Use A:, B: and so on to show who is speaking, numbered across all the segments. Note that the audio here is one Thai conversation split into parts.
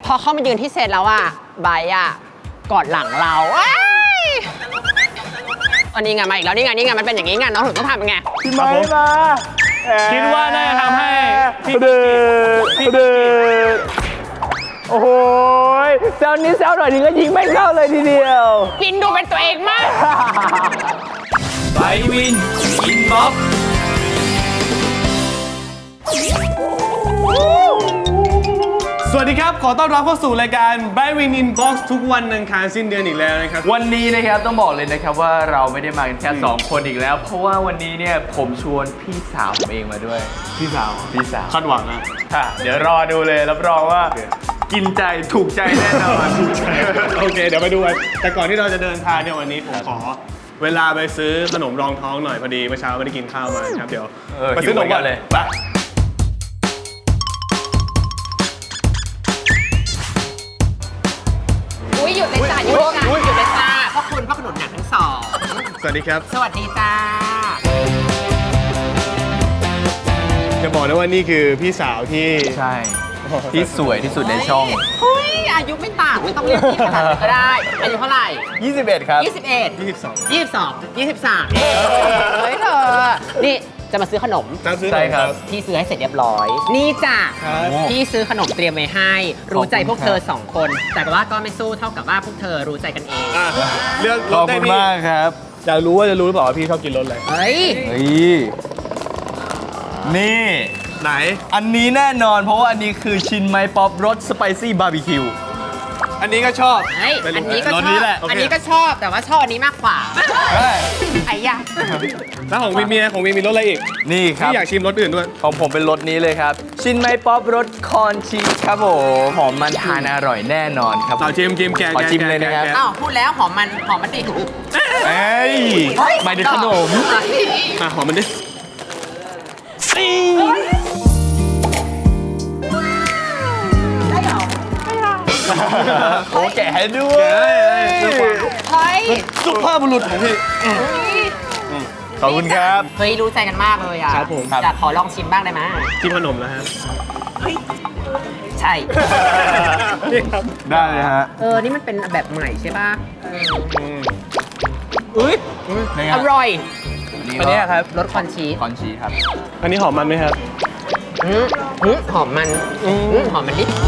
A: พอเข้ามายืนที่เซตแล้วอะไบร์ทอะกอดหลังเราอันนี้ไงมาอีกแล้วนี่ไงมันเป็นอย่างนี้ไงน้องถึงต้องทำยังไง
B: พี่ไม้มา
C: คิดว่าน่าจะทำให้พี่
B: โอ้โหแซวนี้แซวหน่อยนึงก็ยิงไม่เข้าเลยทีเดียว
A: ปินดูเป็นตัวเองมาก
C: ไบวินอินบ็อกซ์สวัสดีครับขอต้อนรับเข้าสู่รายการ By Win Inbox ทุกวันอังคารสิ้นเดือนอีกแล้วนะครับ
D: วันนี้นะครับต้องบอกเลยนะครับว่าเราไม่ได้มากันแค่2คนอีกแล้วเพราะว่าวันนี้เนี่ยผมชวนพี่สาวผมเองมาด้วย
C: พี่สาว
D: คาดหวังนะเดี๋ยวรอดูเลยรับรองว่ากินใจถูกใจแน่นอน
C: โอเคเดี๋ยวไปดูกันแต่ก่อนที่เราจะเดินทางเนี่ยวันนี้ผมขอเวลาไปซื้อขนมรองท้องหน่อยพอดีเมื่อเช้าไม่ได้กินข้าวมาครับเดี๋ยวไปซื้อขนมก่อนเลยไป
A: หยุดเลยจ้าหยุดเลยจ้าเพราะคุณพ่อขนุนหนักทั้งสอง
C: สวัสดีครับ
A: สวัสดีจ้า
C: จะบอกนะว่านี่คือพี่สาวที่
D: ใช่ที่สวยที่สุดในช่อง
A: เฮ้ยอายุไม่ต่างไม่ต้องเรียกพี่ขนาดนั้นก็ได้อายุเท่าไหร่
D: 21ครับ
A: 22 23เฮ้ยเธอนี่จะมาซื้อขนม
D: ใช่ครับ
A: พี่ซื้อให้เสร็จเรียบร้อยนี่จ้ะพี่ซื้อขนมเตรียมไว้ให้รู้ใจพวกเธอ2คนแต่ว่าก็ไม่สู้เท่ากับว่าพวกเธอรู้ใจกันเอง
C: เลือก
D: ขอบคุณมากครับ
C: อยากรู้ว่าจะรู้หรือเปล่าว่าพี่ชอบกินรสอะไร
A: เฮ้ย
D: นี่
C: ไหน
D: อันนี้แน่นอนเพราะว่าอันนี้คือชินไมป๊อปรสสไปซี่บาร์บีคิว
C: อันนี้ก็ชอบ
A: อันนี้ก็ชอบอันนี้ก็ชอบแต่ว่าชอบอันนี้มากกว่าไอ้ยะ
C: แล้วของมีรสอะไรอีก
D: นี่ครับ
C: พี่อยากชิมรสอื่นด้วย
D: ของผมเป็นรสนี้เลยครับชินไมป๊อปรสคอนชีสครับผมหอมมันทานอร่อยแน่นอนครับ
C: เราชิมแกะ
D: ขอชิมเลยนะครับ
A: อ้าวพูดแล้วหอมมันดิ
D: เฮ้ยไม่ได้ขนม
C: หอมมันดิ
D: โอ้แกะให้ด้วย
A: เฮ้ย
C: สุภาพบุรุษของพี่
D: ขอบคุณครับ
A: เฮ้ยรู้ใจกันมากเลยอ่ะ
C: ครับผม
A: อยากขอลองชิมบ้างได้ไหม
C: ชิมขนมแล้วฮะ
A: ใช่
D: ได้เลยฮะ
A: นี่มันเป็นแบบใหม่ใช่ป่ะอร่อย
D: อันนี้ครับ
A: รสคอนชีส
D: ครับ
C: อันนี้หอมมันไหมครับ
A: หอมมันนิด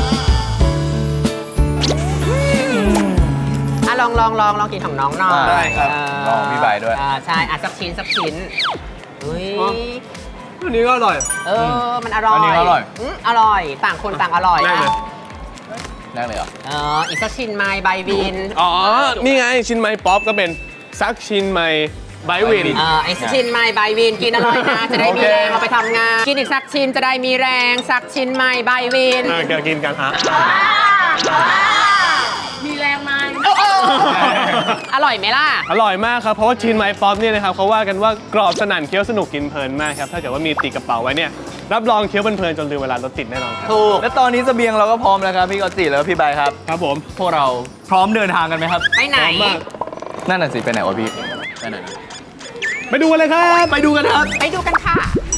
A: ลองกินของน้องหน่อย
D: ได้ครับลองพี่ใบด้วย
A: ใช่สักชิ้น
C: อันนี้ก็อร่อย
A: มันอร่อย
D: อันนี้อร่อย
A: อร่อยต่างคนต่างอร่อย
D: แรกเลยเหรอ
A: อีกสักชิ้นไม้ใบวิน
C: นี่ไงชิ้นไม้ป๊อปก็เป็นซักชิ้นไม้ใบวิน
A: ไอ้ชิ้นไม้ใบวินกินอร่อยนะจะได้มีแรงเอาไปทำงานกินอีกสักชิ้นจะได้มีแรงสักชิ้นไม้ใบวิน
C: กินกันฮะ
A: มีแรงไหมอร่อยไหมล่ะ
C: อร่อยมากครับเพราะว่าชิ้นไม้ป๊อปเนี่ยนะครับเขาว่ากันว่ากรอบสนั่นเคี้ยวสนุกกินเพลินมากครับถ้าเกิดว่ามีติดกระเป๋าไว้เนี่ยรับรองเคี้ยวเพลินจนลืมเวลารถติดแน่นอนครับ
D: ถูกและตอนนี้เสบียงเราก็พร้อมแล้วครับพี่กอตจิแล้วพี่ใบครับ
C: ครับผม
D: พวกเราพร้อมเดินทางกันไหมครับ
A: ไปไหน
D: นั่นน่ะสิไปไหนวะพี่ไปไหน
C: ไปดูกันเลยครับ
A: ไปดูกันค่ะ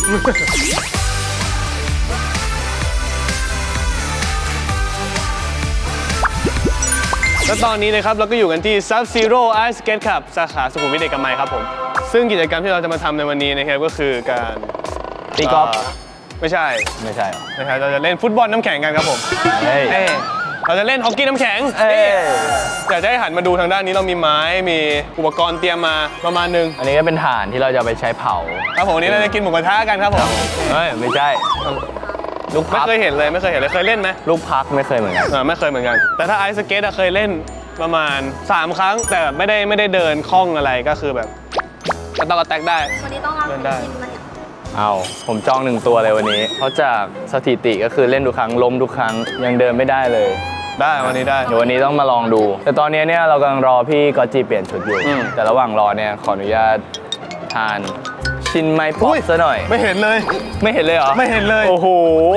C: และตอนนี้นะครับเราก็อยู่กันที่ Sub-Zero Ice Skate Club สาขาสุขุมวิทเอกมัยครับผมซึ่งกิจกรรมที่เราจะมาทำในวันนี้นะครับก็คือการ
D: ตีกอล์ฟ
C: ไม่ใช่เราจะเล่นฟุตบอลน้ำแข็งกันครับผมเราจะเล่นฮอกกี้น้ำแข็งอยากจะให้หันมาดูทางด้านนี้เรามีไม้มีอุปกรณ์เตรียมมาประมาณนึง
D: อันนี้ก็เป็นถ่านที่เราจะไปใช้เผา
C: ครับผมวันนี้เราจะกินหมูกระทะกันครับผม
D: ไม่ใช่
C: ลูกพักไม่เคยเห็นเลยเคยเล่นไหม
D: ลูกพักไม่เคยเหมือนกัน
C: ไม่เคยเหมือนกันแต่ถ้าไอซ์สเก็ตเคยเล่นประมาณ3 ครั้งแต่ไม่ได้เดินคล่องอะไรก็คือแบบกระแตกได้
E: วันนี้ต้องเดินได้
D: ผมจอง1 ตัวเลยวันนี้เพราะจากสถิติก็คือเล่นทุกครั้งล้มทุกครั้งยังเดินไม่ได้เลย
C: ได้วันนี้ได้
D: เดี๋ยววันนี้ต้องมาลองดูแต่ตอนนี้เนี่ยเรากำลังรอพี่กอตจิเปลี่ยนชุดอยู่แต่ระหว่างรอเนี่ยขออนุญาตทานชินไมป๊อปซะหน่อย
C: ไม่เห็นเลย
D: เหรอ
C: ไม่เห็นเลย
D: โอ้โห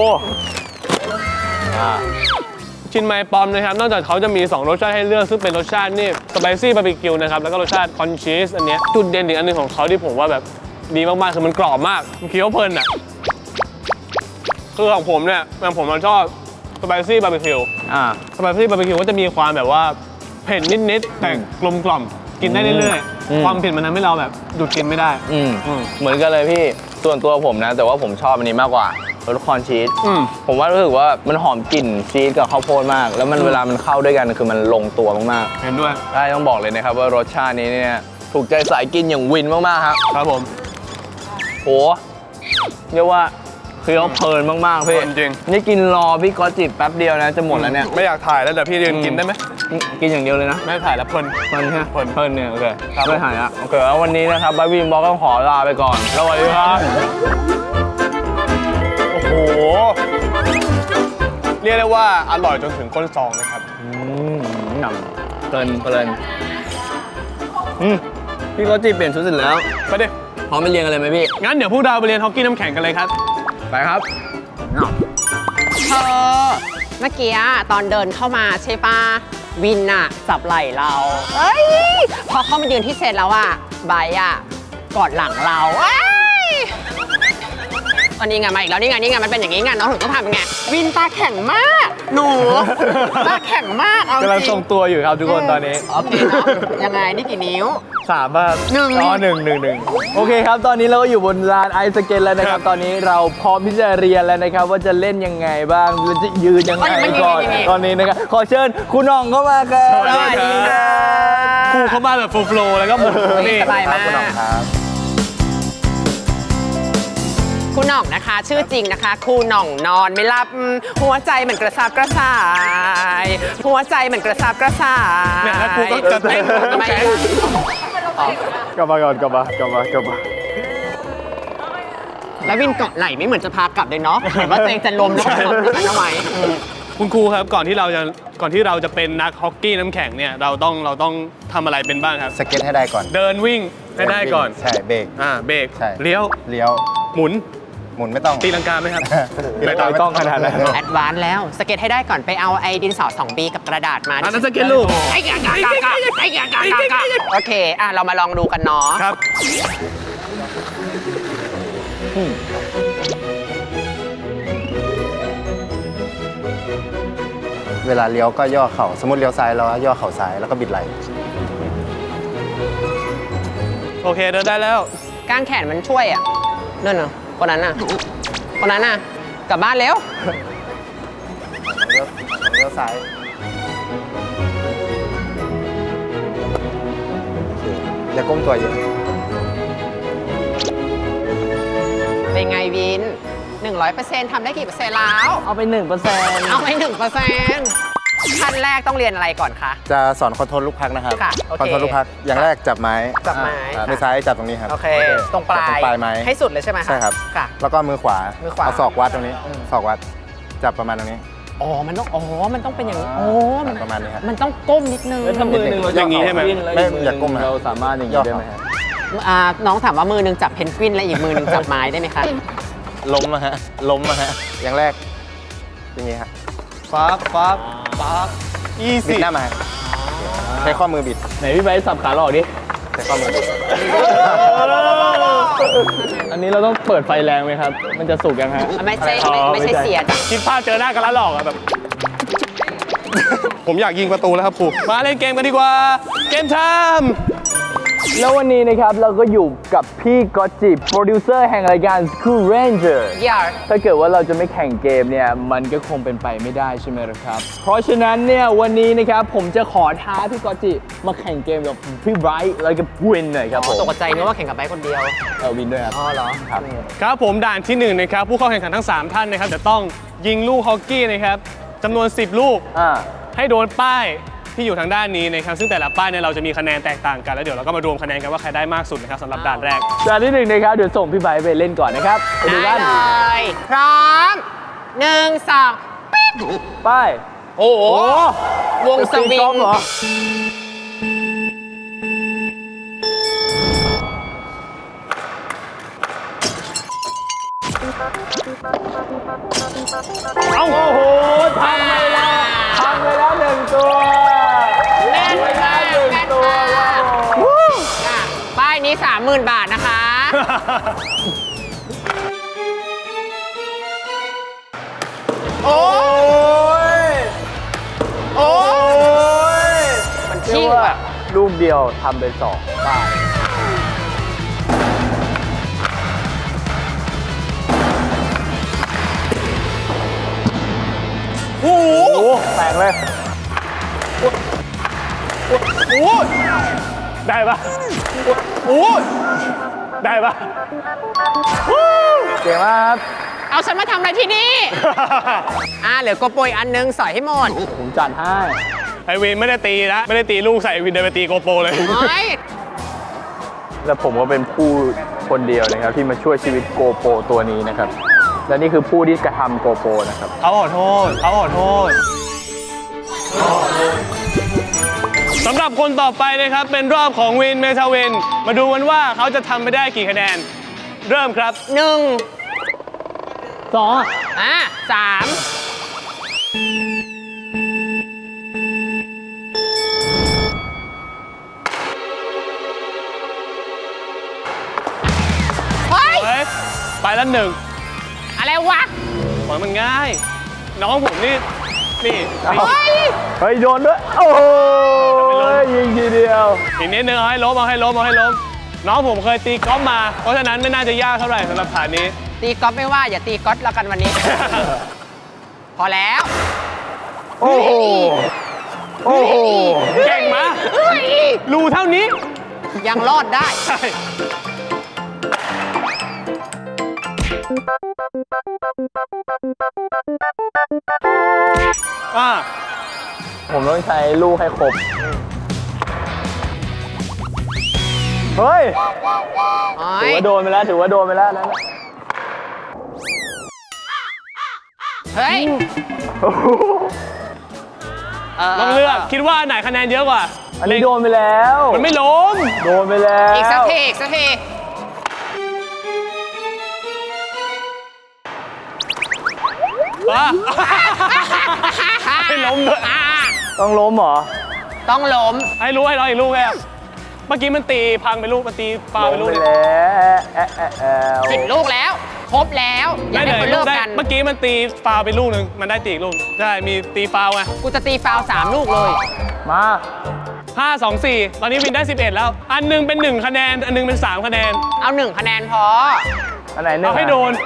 C: ชินไมป๊อปนะครับนอกจากเขาจะมี2 รสชาติให้เลือกซึ่งเป็นรสชาตินี่สไปซี่บาร์บีคิวนะครับแล้วก็รสชาติคอนชีสอันนี้จุดเด่นอีกอันนึงของเขาที่ผมว่าแบบดีมากๆคือมันกรอบมากมันเคี้ยวเพลินอ่ะคือของผมเนี่ยผมชอบไปซี่บาร์บีคิว สไปซี่บาร์บีคิวก็จะมีความแบบว่าเผ็ดนิดๆแต่กลมกล่อมกินได้เรื่อยๆความเผ็ดมันทำให้เราแบบหยุดกินไม่ได้
D: เหมือนกันเลยพี่ส่วนตัวผมนะแต่ว่าผมชอบอันนี้มากกว่ารสคอนชีสผมว่ารู้สึกว่ามันหอมกลิ่นชีสกับข้าวโพดมาก แล้วมันเวลามันเข้าด้วยกันคือมันลงตัวมากๆ
C: เห็นด้วย
D: ได้ต้องบอกเลยนะครับว่ารสชาตินี้เนี่ยถูกใจสายกินอย่างวินมากๆครับ
C: ครับผม
D: โหเรียกว่าเคี้ยวเพลินมากๆพี่
C: จริง
D: นี่กินรอพี่ก๊อตจิบแป๊บเดียวนะจะหมดแล้วเนี่ย
C: ไม่อยากถ่ายแล้วแต่พี่ยืนกินได้ไหม
D: กินอย่างเดียวเลยนะ
C: ไม่ถ่ายแล้วเพลิน
D: เพลินใช่ไหม
C: เพลิน
D: เนี่ยโอเคไม่หายละโอเคแล้ววันนี้นะครับบาร์บี้บล็อกต้องขอลาไปก่อนสวัสดีครับ
C: โอ้โหเรียกได้ว่าอร่อยจนถึงก้นซองนะครับ
D: เพลินพี่ก๊อตจิเปลี่ยนชุดเสร็จแล้ว
C: ไปดิ
D: พร้อมไปเรียนกันเลยไหมพี่
C: งั้นเดี๋ยวพวกเราไปเรียนฮอกกี้น้ำแข็งกันเลยครับ
D: ไปครับ
A: เธอเมื่อกี้ตอนเดินเข้ามาใช่ปะวินอะจับไหล่เราเอ้ยพอเข้ามายืนที่เซตแล้วอะไบร์ทอะกอดหลังเราเอ้ยอันนี้ไงมาอีกแล้วนี่ไงมันเป็นอย่างนี้ไงน้องถึงต้องทำไงวินตาแข็งมากหนูตาแข็งมากเอาจริง
D: กำลังทรงตัวอยู่ครับทุกคนตอนนี้
A: โอเคเนาะยังไงนี่กี่นิ้ว
D: 3 บ้าง
A: หนึ่ง
D: อ๋อหนึ่งโอเคครับ ตอนนี้เราก็อยู่บนลานไอสเก็ตแล้วนะครับ ตอนนี้เราพร้อมที่จะเรียนแล้วนะครับ ว่าจะเล่นยังไงบ้างเราจะยืนยังไงก่อนตอนนี้นะครับขอเชิญคุณน้องเข้ามาครับ
C: สวัสดีครับ ครูเข้ามาแบบโฟล์แล้วก็หมุนนี่
A: สบายมาก
D: คุณน้องครับ
A: คุณหน่องนะคะ ชื่อจริงนะคะครูหน่องนอนไม่หลับหัวใจเหมือนกระซับกระส่ายหัวใจเหมือนกระซับกระส่าย
C: เนี่ยแล้วครูก็จะเต้น
A: ทำไม
C: น้ำแข็ง
D: กลับมาก่อนกลับมา
A: แล้ววินเกาะไหล่ไม่เหมือนจะพากลับเลยเนาะเหมือนว่าตัวเองจะล้มแล้วก็ทำทำไม
C: คุณครูครับก่อนที่เราจะเป็นนักฮอกกี้น้ำแข็งเนี่ยเราต้องทำอะไรเป็นบ้างครับ
E: สเก็ตให้ได้ก่อน
C: เดินวิ่งให้ได้ก่อน
E: ใช่เบรก
C: เบรก
E: ใช่
C: เลี้ยว
E: เลี้ยว
C: หมุน
E: หมุนไม่ต้อง
C: ตีลังกาไหมครับ
E: ไม่ต้องขนาดนั้น
A: แอดวานซ์แล้วสเก็ตให้ได้ก่อนไปเอาไอ้ดินสอ 2B กับกระดาษมา
C: อันนั้นสเก็ตลูก
A: ไอ้กากโอเคเรามาลองดูกันเนาะ
C: ครับ
E: เวลาเลี้ยวก็ย่อเข่า สมมติเลี้ยวซ้ายแล้วย่อเข่าซ้ายแล้วก็บิดไหล่
C: โอเคเดินได้แล้ว
A: กางแขนมันช่วยอ่ะนั่นน่ะคนนั้นน่ะกลับบ้านเร็ว
E: เลี้ยวซ้ายโอเคอย่าก้มตัวเยอะ
A: เป็นไงวิน 100%ทำได้กี่เปอร์เซ็นต์แล้ว
D: เอาไป 1%
A: เอาไป 1%ขั้นแรกต้องเรียนอะไรก่อนคะ
E: จะสอนคอนโทรลลูกพักนะครับ
A: ค่ะโอเค
E: คอนโทรลลูกพัก อย่างแรกจับไม้
A: จับไม้
E: มือซ้ายจับตรงนี้ครับ
A: โอเค ตรงปลาย
E: ตรงปลายไม้
A: ให้สุดเลยใช่ไหมะ
E: ใช่ครับ
A: ค่ะ
E: แล้วก็มือขวา
A: มือขวา
E: เอาศอกวัดตรงนี้ ศอกวัด จับประมาณตรงนี้
A: มันต้องเป็นอย่างนี้มัน
E: ประมาณนี้ครับ
A: มันต้องก้มนิดนึง
D: แล้วถ้ามือหนึ่งเรา
C: อย่างนี้ใช่ไหม
E: ไม่อย่าก้มนะ
D: เราสามารถอย่างนี้ได้ไหมครับ
A: น้องถามว่ามือหนึงจับเพนกวินและอีกมือหนึงจับไม้ได้ไหมคะ
E: ล้มอะฮะ อย่างแรก อย่างนี้ครับ
C: ฟักอี
E: บิ
C: ซี่
E: ดหน้ามา ใช้ข้อมือบิด
D: ไหนพี่ไบร์ทสับขาหลอกดิ
E: ใช้ข้อมือบิด
D: อันนี้เราต้องเปิดไฟแรงไหมครับ มันจะสุกยังฮะ
A: ไม่ใช่
D: อ๋อ
A: ไม่ใช่
D: ไม่ใช่
A: เสียจ้ะ
C: คิดภาพเจอหน้ากันแล้วหลอกอะแบบ ผมอยากยิงประตูแล้วครับครูมาเล่นเกมกันดีกว่า เกมไทม์
D: แล้ววันนี้นะครับเราก็อยู่กับพี่ก๊อตจิโปรดิวเซอร์แห่งรายการ School Ranger
A: อย่า
D: ถ้าเกิดว่าเราจะไม่แข่งเกมเนี่ยมันก็คงเป็นไปไม่ได้ใช่ไหมล่ะครับ เพราะฉะนั้นเนี่ยวันนี้นะครับผมจะขอท้าพี่ก๊อตจิมาแข่งเกมกับพี่ไบรท์แล้วก็วินหน่อยครับผม
A: ตกใจนึกว่าแข่งกับไบค์คนเดียว
D: วินด้วยครับ
A: อ๋อเหรอ
D: ครับ
C: ครับผมด่านที่1นะครับผู้เข้าแข่งขันทั้ง 3 ท่านนะครับจะต้องยิงลูกฮอกกี้นะครับจำนวน 10 ลูก ให้โดนป้ายที่อยู่ทางด้านนี้นะครับซึ่งแต่ละป้ายเนี่ยเราจะมีคะแนนแตกต่างกันแล้วเดี๋ยวเราก็มารวมคะแนนกันว่าใครได้มากสุดนะครับสำหรับด่านแรก
D: ด่านที่1นะครับเดี๋ยวส่งพี่ไบรท์ไปเล่นก่อนนะครับไปดู
A: ได้
D: กัน
A: เลยพร้อม1 2ปิ๊บ
D: ไป
A: โอ้โหวงสวิ
D: ตีกอง ล์ฟเหรอ เอ้าโอ้โหทำไปแล้ว1 ตัว
A: แม่นมาก
D: 1
A: แม่น
D: ตัว
A: มากค่ะป้ายนี้ 30,000 บาทนะคะ
D: โอ้ย
A: นิ่ง
D: ว่า
A: ว่ะ
D: ลูกเดียวทำเป็น2 ป้าย
C: โอ้โห
D: โอ้แตกเลย
C: โอ้โหได้ปะโอ้โหได้ปะ
D: เก่งมากครับ
A: เอาฉันมาทำอะไรที่นี่ เหลือโกโปรอีกอันนึงสอยให้หมด
D: ผมจัดให้
C: ไอวินไม่ได้ตีนะไม่ได้ตีลูกใส่ไอวินเดินไปตีโกโปรเลย
A: เฮ้ย
D: และผมก็เป็นผู้คนเดียวนะครับที่มาช่วยชีวิตโกโปรตัวนี้นะครับ และนี่คือผู้ที่กระทำโกโปรนะครับ
C: เขาขอโทษเขาขอโทษสำหรับคนต่อไปนะครับ เป็นรอบของวินเมทาวิน มาดูกันว่าเขาจะทำไปได้กี่คะแนน เริ่มครับ
A: 1 2 3 เฮ้ย
C: เฮ้ยไปแล้ว1
A: อะไรวะ
C: ปล่อยมันง่าย น้องผมนี่นี่
A: เฮ้ย
D: เฮ้ย โดนด้วย โอ้โหยิงทีเดียว
C: อีกนิดนึงเอาให้ล้มเอาให้ล้มเอาให้ล้มน้องผมเคยตีกอล์ฟมา เพราะฉะนั้นไม่น่าจะยากเท่าไหร่สำหรับฐานนี้
A: ตีก๊อฟไม่ว่า อย่าตีก๊อตแล้วกันวันนี้ พอแล้ว
D: โอ้โห โอ้โห
C: เก่งมะ
A: เฮ้ย
C: รูเท่านี้
A: ยังรอดได้
C: ใช่อ่า
D: ผมต้องใช้ลูกให้ครบ เฮ้ย ถือว่าโดนไปแล้ว ถือว่าโดนไปแล้วนั่นแหละ
A: เฮ้ย
C: ลองเลือกคิดว่าอันไหนคะแนนเยอะกว่า
D: อันนี้โดนไปแล้ว
C: มันไม่ล้ม
D: โดนไปแล้ว
A: อีกสักทีอีกสักที
C: อ่ะ ไม่ล้มด้วย
D: ต้องล้มเหรอ
A: ต้องล้ม
C: ให้รู้ให้เราอีกลูกแค่เมื่อกี้มันตีพังไปลูกมันตีฟาวไปลูก
D: ล้ม
C: นึง
D: ไปแล้ว
A: 10 ลูกแล้ว ครบแล้วอย่า
C: ได้
A: ให้
C: เลย
A: คน
C: ลู
A: เลิ
C: ก
A: ก
C: ได้
A: กัน
C: เมื่อกี้มันตีฟาวไปลูกนึงมันได้ตีอีกลูกใช่มีตีฟาวไง
A: กูจะตีฟาวล์3 ลูกเลย
D: มา
C: 5 2 4 ตอนนี้วินได้ 11 แล้ว อันหนึงเป็น1คะแนนอันหนึงเป็น3คะแนน
A: เอา 1 คะแนนพอ
D: อันไหนเนี่ย
C: เอาให้โดน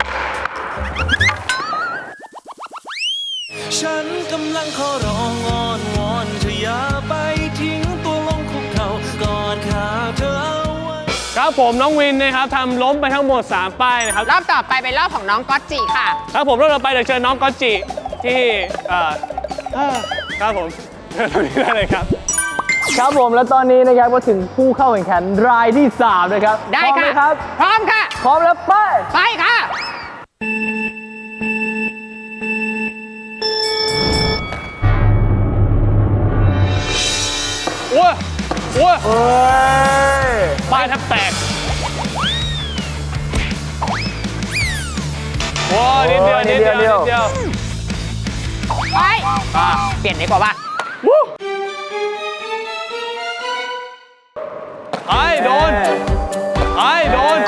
F: ฉันกำลังขอร้องอ้อนวอนเธออย่าไปทิ้งตัวลงคุกเข่ากอดขาเธอเอาไว้
C: ครับผมน้องวินนะครับทำล้มไปทั้งหมด 3 ป้ายนะครับ
A: รอบต่อไปเป็นรอบของน้องก๊อตจิค่ะ
C: ครับผมรอบต่อไปเดี๋ยวเชิญน้องก๊อตจิที่ครับผมเชิญตรงนี้ได้เลยครับ
D: ครับผมแล้วตอนนี้นะครับก็ถึงผู้เข้าแข่งขันรายที่ 3 นะครับ
A: ได้
D: พร้อมไหม
A: ค่ะ
D: ครับ
A: พร้อมค่ะ
D: พร้อมแล้วไป
A: ไปค่ะ
C: โอ้ยโอ้ย
D: เฮ้ย
C: ป้ายแทบแตกโอ้ยนิดเดียวนิดเดียวนิดเดียว
A: ไปเปลี่ยนดีกว่าป่ะ
C: ไอ้โดนไอ้โดน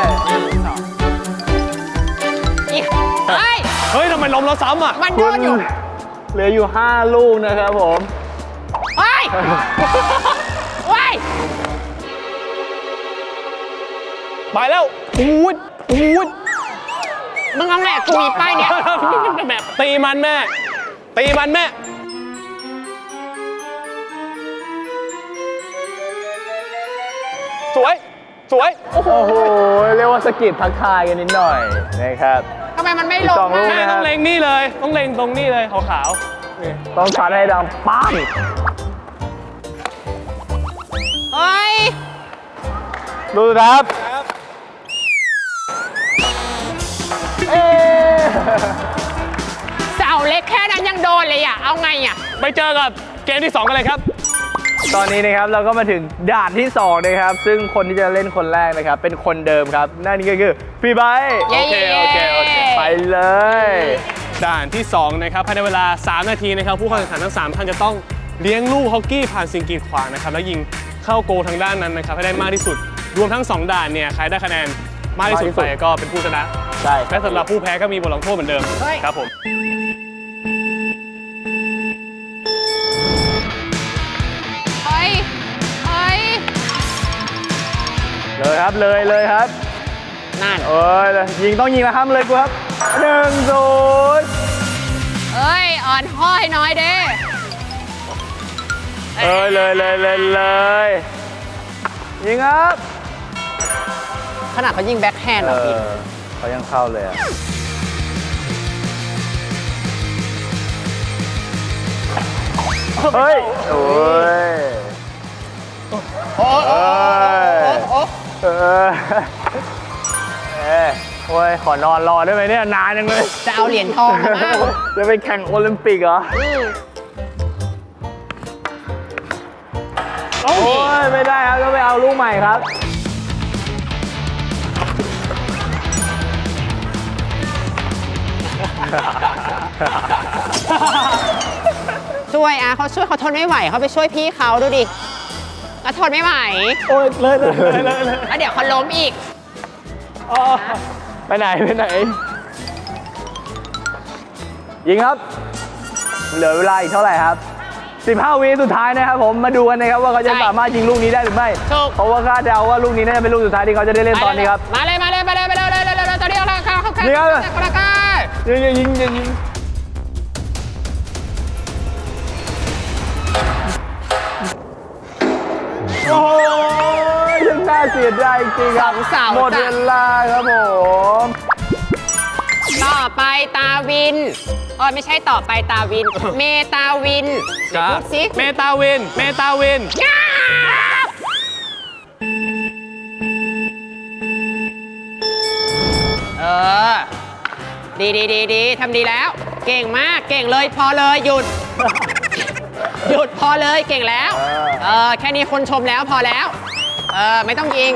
A: อีกเฮ้ย
C: เฮ้ยทำไมล้มแล้วซ้ำอ่ะ
A: มันโดนอยู่
D: เหลืออยู่ 5 ลูกนะครับผม
A: เฮ้ยเฮ้ย
C: ไปแล้วอูดอูด
A: มึงเอาแหละกูมีป้ายเนี้ย
C: แบบตีมันแม่ ตีมันแม่ สวย สวย
D: โอ้โห เรียกว่าสะกิดทักทายกันนิดหน่อยนะครับ
A: ทำไมมันไม่ล
D: อีกสอง งลูก
C: แม่ต้องเล็งนี่เลย ต้องเล็งตรงนี่เลยขาวๆนี่
D: ต้องชัดให้ดังปัง
A: เฮ้ย
D: ดูครับ เอ๊
A: เสาเล็กแค่นั้นยังโดนเลยอ่ะ เอาไงอ่ะ
C: ไปเจอกับเกมที่ 2 กันเลยครับ
D: ตอนนี้นะครับเราก็มาถึงด่านที่ 2 นะครับ ซึ่งคนที่จะเล่นคนแรกนะครับ เป็นคนเดิมครับ นั่นก็คือพี่ไบร์ท
A: เย้
C: โอเคโอเคโอเค
D: ไปเลย
C: ด่านที่ 2 นะครับภายในเวลา 3 นาทีนะครับ ผู้เข้าแข่งขันทั้ง 3 ท่านจะต้องเลี้ยงลูกฮอกกี้ผ่านสิ่งกีดขวางนะครับ แล้วยิงเข้าโกลทางด้านนั้นนะครับ ให้ได้มากที่สุด รวมทั้ง 2 ด่านเนี่ย ใครได้คะแนนมากที่สุดไปก็เป็นผู้ชนะ
D: ใช่
C: และสำหรับผู้แพ้ก็มีบทลงโทษเหมือนเดิม
A: เฮ้ย
C: ครับผม
A: เฮ้ย
D: ครับ เลยครับ
A: นั่น
D: เอ้ยยิงต้องยิงแล้วห้ามเลยกูครับ1-0
A: เอ้ย อ่อนห้อยน้อยเด้
D: เลยยิงครับ
A: ขนาดเขายิงแบ็คแฮนด์เหรอพี่
D: เขายังเข้าเลยอ่ะเฮ้ยโอ้ย
A: โอ้โอ้โอ้
D: โอ้ยขอนอนรอได้ไหมเนี่ยนานจังเลย
A: จะเอาเหรียญทองมาบ้าง
D: จะไปแข่งโอลิมปิกเหรอ โอ้ยไม่ได้ครับต้องไปเอาลูกใหม่ครับ
A: ช่วยเขาช่วยเขาทนไม่ไหวเขาไปช่วยพี่เขาดูดิก็ทนไม่ไหว
D: โอ้ยเลย
A: แล้วเดี๋ยวเขาล้มอีก
D: ไปไหนยิงครับ เหลือเวลาอีกเท่าไหร่ครับ 15 วิสุดท้ายนะครับผมมาดูกันนะครับว่าเขาจะ
A: ใช่
D: สามารถยิงลูกนี้ได้หรือไม่
A: ถูก
D: เพราะว่าคาดเดาว่าลูกนี้น่าจะเป็นลูกสุดท้ายที่เขาจะได้เล่นตอนนี้ครับ
A: มาเลยตอนนี้เราเข้า
D: นี่ครับ
A: คนละก้า
D: ยิงโอ้ยยังน่าเสียดายจริงๆครับ
A: 2 เสา
D: หมด
A: จ้ะ
D: เวลาครับผม
A: ต่อไปตาวินไม่ใช่ต่อไปตาวิน เมตาวินเดี๋ยวพูดสิ
C: เมตาวิน
A: เออ ดีทำดีแล้ว เก่งมากเก่งเลยพอเลยหยุด หยุดพอเลยเก่งแล้ว แค่นี้คนชมแล้วพอแล้ว ไม่ต้องยิง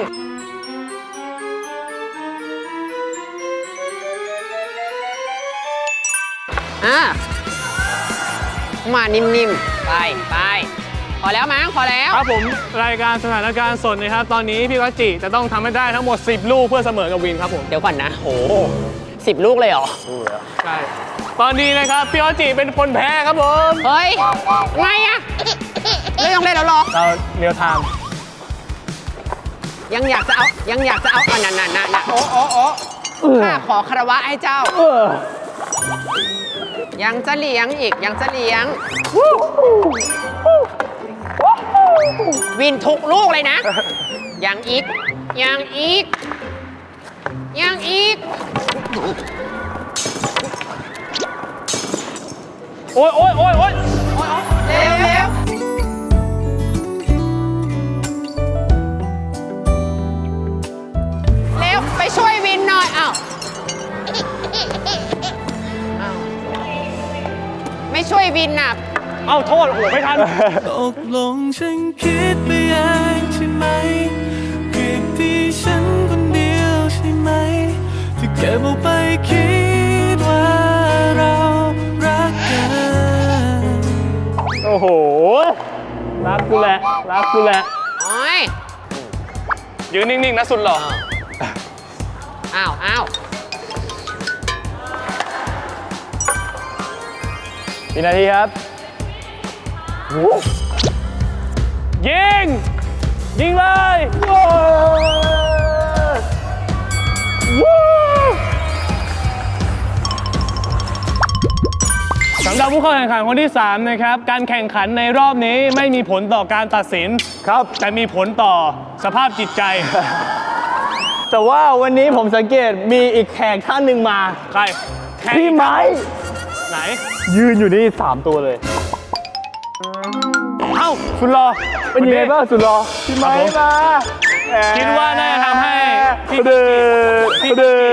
A: มานิ่มๆ ไปพอแล้วมั้งพอแล้ว
C: ครับผมรายการสถานการณ์สดนะครับ ตอนนี้พี่กัจจิจะต้องทำให้ได้ทั้งหมด 10 ลูกเพื่อเสมอกับวินครับผม
A: เดี๋ยวก่อนนะโห10 ลูกเลยเหรอ
C: ใช่ ตอนนี้นะครับพี่กัจจิเป็นคนแพ้ครับผม
A: เฮ้ย ไงอะไม่ต้องเล่นแล้วหรอ
C: เราเรียวไทม์
A: ยังอยากจะเอานั่นโอ้ข้าขอคารวะให้เจ้า ยังจะเลี้ยงอีกยังจะเลี้ยง วินทุกลูกเลยนะ ยังอีก
C: โอ้ย
A: เร็วไปช่วยวินหน่อยอ้าวไม่ช่วยวินน่ะ
C: เอ้าโทษโอ้โหไม่ทัน
F: ตกลงฉันคิดไปเองใช่ไหมผิดที่ฉันคนเดียวใช่ไหมที่เก็บเอาไปคิดว่าเรารักกัน
C: โอ้โห รักกูแหละ
A: โอ้ย
C: ยืนนิ่ง ๆ นะสุดหล่อ
A: อ้าว
D: กี่นาทีครับ
C: ยิงเลย สำหรับผู้เข้าแข่งขันคนที่ 3 นะครับ การแข่งขันในรอบนี้ไม่มีผลต่อการตัดสิน
D: ครับ
C: แต่มีผลต่อสภาพจิตใจ
D: แต่ว่าวันนี้ผมสังเกตมีอีกแขกท่านหนึ่งมา
C: ใครแข่ง
D: พี่ไม้
C: ไหน
D: ยืนอยู่นี่3 ตัวเลย
C: เอ้าสุดหล่อ
D: เป็นยังไงบ้างสุดรอพี่ไม้มา
C: คิดว่าน่าจะทำให้พี่
D: เดือ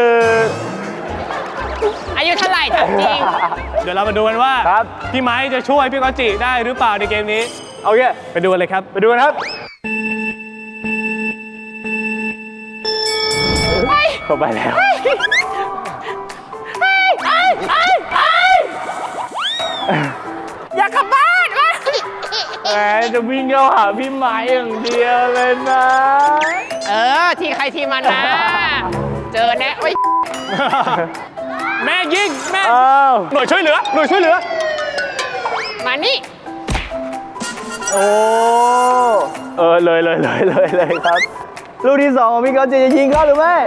A: อายุเท่าไหร่ถามจริง
C: เดี๋ยวเรามาดูกันว่า
D: ครับ
C: พี่ไม้จะช่วยพี่กอตจิได้หรือเปล่าในเกมนี้
D: โอเค
C: ไปดูกันเลยครับ
D: ไปดูกันครับเข้าไปแล้ว
A: อยากกลับบ้านวะ
D: แหมจะวิ่งเข้าหาพี่ไม้อย่างเดียวเลยนะ
A: ทีใครทีมันนะ เจอแน่โอ้ย
C: แม่ยิงแม่
D: อ้าว
C: หน่วยช่วยเหลือ
A: มานี่
D: โอ้เลยครับลูกที่2ของพี่ก๊อตจิจะยิงเข้าหรือไม่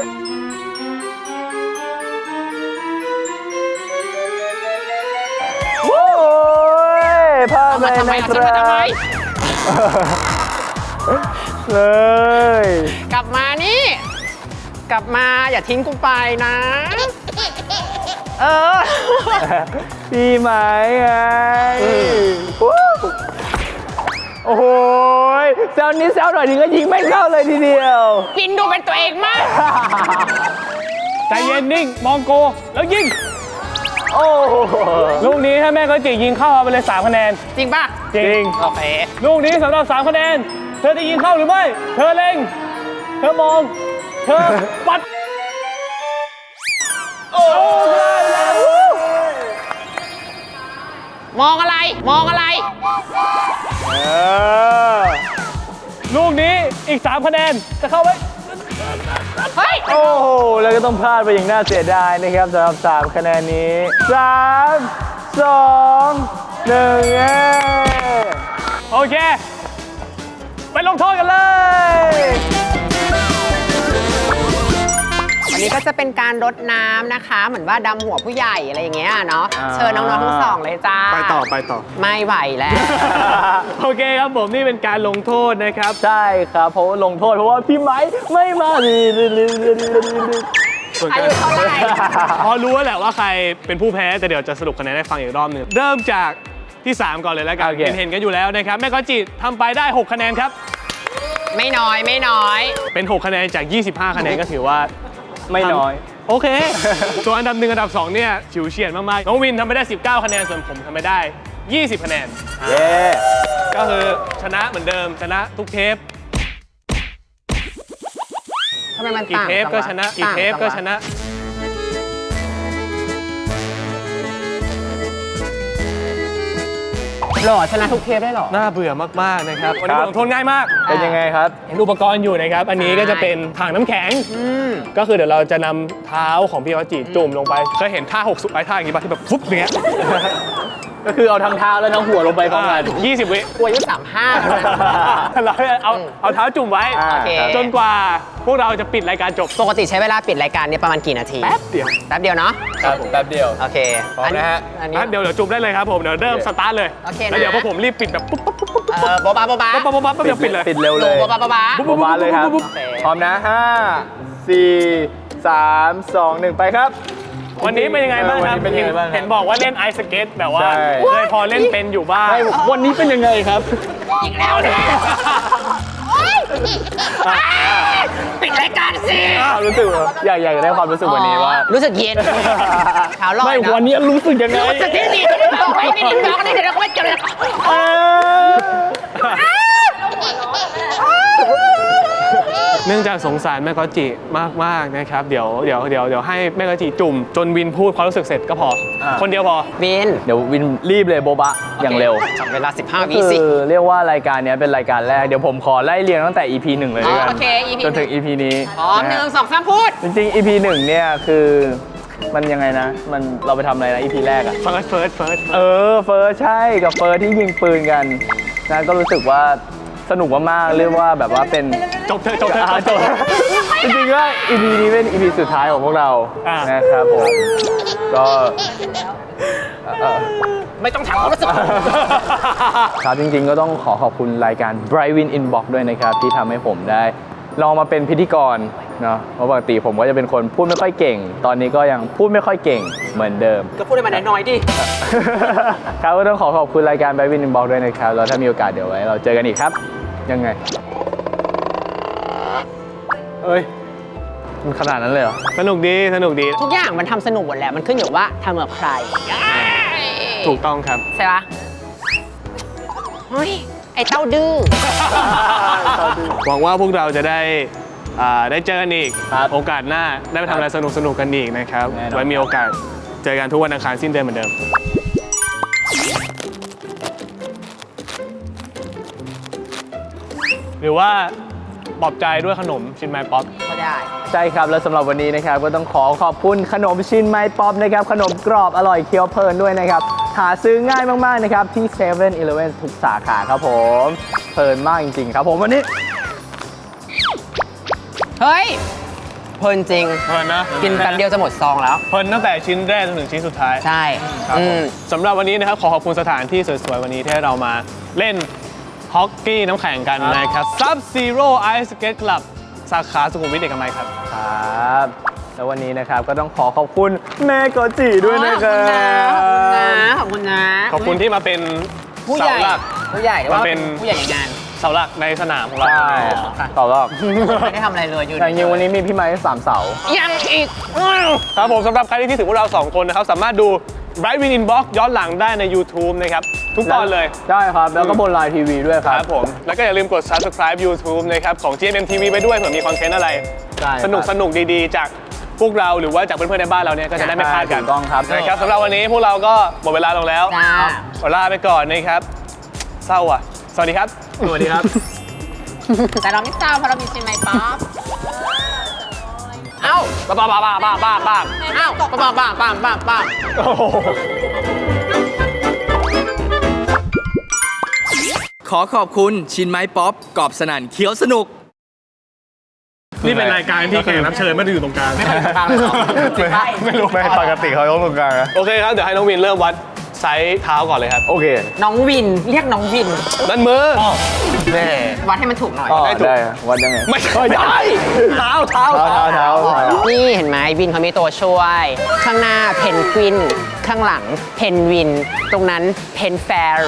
D: โอ้ยพลาดไป
A: ทำไม
D: นะค
A: ฉัน
D: รั
A: มาทำไม
D: บเลย
A: กลับมานี่ กลับมาอย่าทิ้งกูไปนะ เออ
D: พี่ไหมไงโอ้โหแซวนิดแซวหน่อยถึงก็ยิงไม่เข้าเลยทีเดียว
A: ปินดูเป็นตัวเองมาก
C: ใจเย็นนิ่ง มองโก แล้วยิง
D: โอ้โห
C: ลูกนี้ถ้าแม่ก็จิยิงเข้าเอาไปเลย3คะแนน
A: จริงป่ะ
C: จริง
A: โอเค
C: ลูกนี้สำหรับ3คะแนน เธอจะยิงเข้าหรือไม่ เธอเล็ง เธอมอง เธอปัด
A: มองอะไร มองอะไร
C: ลูกนี้อีก3คะแนน จะเข้าไว้
A: เฮ้ย
D: โอ้โห แล้วก็ต้องพลาดไปอย่างน่าเสียดายนะครับสำหรับ 3 คะแนนนี้ 3 2 1เย้
C: โอเค ไปลงโทษกันเลย
A: วันนี้ก็จะเป็นการรดน้ำนะคะ เหมือนว่าดำหัวผู้ใหญ่อะไรอย่างเงี้ยเนาะ เชิญน้องๆทั้งสองเลยจ้า
C: ไปต่อ
A: ไม่ไหวแล้ว
C: โอเคครับผมนี่เป็นการลงโทษนะครับ
D: ใช่ครับเพราะว่าลงโทษเพราะว่าพี่ไม้ไม่มา
A: อายุเท่าไหร่
C: พอรู้แล้วแหละว่าใครเป็นผู้แพ้แต่เดี๋ยวจะสรุปคะแนนให้ฟังอีกรอบหนึงเริ่มจากที่ 3 ก่อนเลยแล้วกัน
D: โอเค
C: เห็นกันอยู่แล้วนะครับแม่ก็จิทำไปได้ 6 คะแนนครับ
A: ไม่น้อยไม่น้อย
C: เป็น 6 คะแนนจาก 25 คะแนนก็ถือว่า
D: ไม่น้อย
C: โอเค ส่วนอันดับ 1 อันดับ 2 เนี่ยฉิวเฉียดมากๆน้องวินทำไปได้ 19 คะแนนส่วนผมทำไปได้ 20 คะแนน
D: เย้
C: ก็คือชนะเหมือนเดิมชนะทุกเทป
A: ทำไมมัน
C: กี่
A: ต่าง
C: เทป
A: จังว
C: ก็ชนะกี่เทปก็
A: ต่าง
C: ช
A: จังว
C: นะ
A: หล่อชนะทุกเทปได้หรอ
C: น่าเบื่อมากๆนะครับวันนี้บทลงโทษง่ายมาก
D: เป็นยังไงครับ
C: เห็นอุปกรณ์อยู่นะครับ อันนี้ก็จะเป็นถังน้ำแข็ง ก็คือเดี๋ยวเราจะนำเท้าของพี่วจิจุ่มลงไป เคยเห็นท่า6สุดไอ้ท่าอย่างนี้ป่ะที่แบบฟุ๊บอย่างเงี้ย
D: ก็คือเอาทั้งเท้าและทั้งหัวลงไปพร้อมกัน
C: 20 วิ
A: กูอายุ35
C: เราเอาเท้าจุ่มไว้
D: อ่า
A: โอเค
C: จนกว่าพวกเราจะปิดรายการจบ
A: ปกติใช้เวลาปิดรายการเนี่ยประมาณกี่นาที
C: แป๊บเดียว
A: แป๊บเดียวเนาะ
D: ครับแป๊บเดียว
A: โอเค
D: พร้อมนะฮะ
A: อันนี้
C: งั้นเดี๋ยวจุ่มได้เลยครับผม เดี๋ยวเริ่มสตาร์ทเลย
A: โอเคนะ
C: แล้วเดี๋ยวพวกผมรีบปิดแบบปุ๊บปุ๊บปุ๊บปุ๊บ
A: โบ๊ะบ้าโบ๊ะบ้า
C: ปุ๊บปุ๊บปุ๊บปุ๊บเดี๋ยวปิดเลย
D: ปิดเร็วเลย
A: โบ๊ะบ้าโบ๊ะบ้า
D: โบบาเลยครับ
A: โอเค
D: พร้อมนะ 5 4 3 2 1 ไปครับ
C: วันนี้เป็นยังไงบ้างครับ
D: วันนี้เป็นยังไงบ้างครับ
C: เห็นบอกว่าเล่นไอสเก็ตแบบว่า
D: ใช่
C: เคยพอเล่นเป็นอยู่บ้าง
D: วันนี้เป็นยังไงครับ
A: อีกแล้วเนี่ยปิดรายการสิ
D: รู้สึกอยากได้ความรู้สึกวันนี้ว่า
A: รู้สึกเย็นเท้าลอย
D: ไม่
A: นะ
D: วันนี้รู้สึกยังไง
A: รู้สึกที่ดีบอกไว้นี่ดึงบอกนี่เดี๋ยวเราก็ไม่เจอเลย
C: เนื่องจากสงสารแม่กอจิมากๆนะครับ เดี๋ยวให้แม่กอจิจุ่มจนวินพูดความรู้สึกเสร็จก็พอ คนเดียวพอ
A: วิน
D: เดี๋ยววินรีบเลยโบบะอย่างเร็ว
A: จับเวลา 15 วิ
D: คื
A: สิ
D: อเรียกว่ารายการเนี้ยเป็นรายการแรก เดี๋ยวผมขอไล่เรียงตั้งแต่ EP 1 เลยด้วยกั
A: โอเค EP
D: จนถึง EP นี้
A: พร้อม
D: นะฮะ
A: 1 2 3 พูด
D: จริงๆ EP 1 เนี่ยคือมันยังไงนะ มันเราไปทำอะไรนะ EP แรกอะ
C: เฟิร์ส
D: เฟิร์สใช่กับเฟิร์สที่ยิงปืนกันนะก็รู้สึกว่าสนุกมากๆเรียกว่าแบบว่าเป็น
C: จบเถอะจบเถ
D: อ่า
C: อะ
D: จบจริงๆก็ EP นี้เป็น EP สุดท้ายของพวกเรา
C: อ่า
D: นะครับผมก็
A: ไม่ต้องถามความรู้สึก
D: ครับจริงๆก็ต้องขอบคุณรายการ Bright Win Inbox ด้วยนะครับ ที่ทำให้ผมได้ลองมาเป็นพิธีกรเนาะเพราะปกติผมก็จะเป็นคนพูดไม่ค่อยเก่ง ตอนนี้ก็ยังพูดไม่ค่อยเก่งเหมือนเดิม
A: ก็พูดให้มันน้อยๆดิ
D: ครับก็ต้องขอบคุณรายการ Bright Win Inbox ด้วยนะครับแล้วถ้ามีโอกาสเดี๋ยวไว้เราเจอกันอีกครับ ยังไงเอ้ยมันขนาดนั้นเลยเหรอ
C: สนุกดี
A: ทุกอย่างมันทำสนุกหมดแหละ มันขึ้นอยู่ว่าทำกับใคร
C: ถูกต้องครับ
A: ใช่ปะเฮ้ย ไอ้เต้าดื้อ
C: หวังว่าพวกเราจะได้เจอกันอีก
D: ครับ
C: โอกาสหน้าได้ไปทำอะไรสนุกกันอีกนะครับ
D: แน่นอน
C: ไว้มีโอกาสเจอกันทุกวันอังคารสิ้นเดือนเหมือนเดิม หรือว่าปลอบใจด้วยขนมชินไมป๊อป
A: ก็ได้
D: ใช่ครับ แล้วสำหรับวันนี้นะครับก็ต้องขอบคุณขนมชินไม้ป๊อปนะครับขนมกรอบอร่อยเคี้ยวเพลินด้วยนะครับหาซื้อง่ายมากๆนะครับที่7 e เ e ่ e ทุกสาขาครับผมเพลินมากจริงๆครับผมวันนี้
A: เฮ้ย เพลินจริง
C: เพลินนะ
A: กินแป๊บเดียวจะหมดซองแล้ว
C: เพลินตั้งแต่ชิ้นแรกจนถึงชิ้นสุดท้าย
A: ใช่
C: ครับผมสำหรับวันนี้นะครับขอขอบคุณสถานที่สวยๆวันนี้ที่ให้เรามาเล่นฮอกกี้น้ำแข็งกันนะครับ Sub Zero Ice Skate Club สาขาสุขุมวิทเอกมัยครับ
D: ครับ แล้ววันนี้นะครับก็ต้องขอขอบคุณแม่กอจิด้วยนะครั
A: ขอบคุณนะ
D: บ
A: ขอบคุณนะ
C: ขอบคุณที่มาเป็น
A: ผู้ใหญ่
C: เสาหลัก
A: ผู้ใหญ่หรือว่า
C: มันเป็น
A: ผู้ใหญ่ในงาน
C: เสาหลักในสนามของเรา
D: ใช่ต่อรอบ
A: ไม่ได้ทำอะไรเลยอยู่
D: แต่จริงๆวันนี้มีพี่ไม้3 เสา
A: ยังอีก
C: ครับผมสำหรับใครที่คิดถึงพวกเรา 2 คนนะครับ สามารถดู Bright Win Inbox ย้อนหลังได้ใน YouTube นะครับ ทุกตอนเลย
D: ได้ครับ แล้วก็บนไลน์ทีวีด้วยค
C: ครับ รับผม แล้วก็อย่าลืมกด Subscribe YouTube นะครับ ของ GMM TV ไปด้วยเผื่อมีคอนเทนต์อะไร
D: ใช่ครับ
C: สนุกดีๆ จากพวกเราหรือว่าจากเพื่อนๆในบ้านเราเนี่ยก็จะได้ไม่พลาดกัน
D: ถูกต้องครับ
C: นะครับสำหรับวันนี้พวกเราก็หมดเวลาลงแล้ว
A: จ้า
C: ขอลาไปก่อนนะครับ เศร้าอ่ะ สวัสดีครับ สวัสดีครับ
A: แต่เราไม่เศร้าเพราะเรามีเชียงใหม่ป๊อปเอ้า
C: บ้าๆๆๆๆ
A: เอ้าป้า
C: โอ้โห
G: ขอขอบคุณชินไม้ป๊อปกรอบสนั่นเคี้ยวสนุก
C: นี่เป็นรายการที่แขกรับเชิญไม่ได้อยู่ตรงกลาง
A: ไม่ได้อยู่ตรงกลางเลยเหรอ
C: ไม่รู้
E: ไม่ปกติเขาต้องตรงกลางนะ
C: โอเคครับ เดี๋ยวให้น้องวินเริ่มวัดไซส์เท้าก่อนเลยครับ
D: โอเค
A: น้องวิน เรียกน้องวิน
C: นั่นมือ
E: แน่
A: วัดให้มันถูกหน่อย
D: อ๋อ
C: ได้ถูก
D: ได้วัดยังไง
C: ไม่ได้ เท้า
D: เท้า
A: นี่เห็นไหมวินเขามีตัวช่วย ข้างหน้าเพนกวิน ข้างหลังเพนวิน ตรงนั้นเพนแฟร์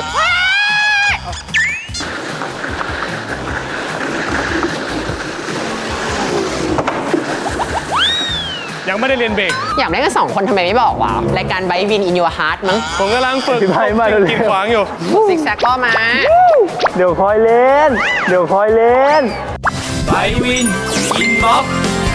C: ยังไม่ได้เรียนเบรก
A: อยากเล่นกัน2 คนทำไมไม่บอกวะรายการไบวินอินยูฮาร์ดมั้ง
C: ผมกำลังฝึก
D: พี่ไพ่มาเร็วๆ
C: กินขวางอยู่
A: ซิกแซกก็มา
D: เดี๋ยวคอยเล่น
G: ไบวินอินบ็อก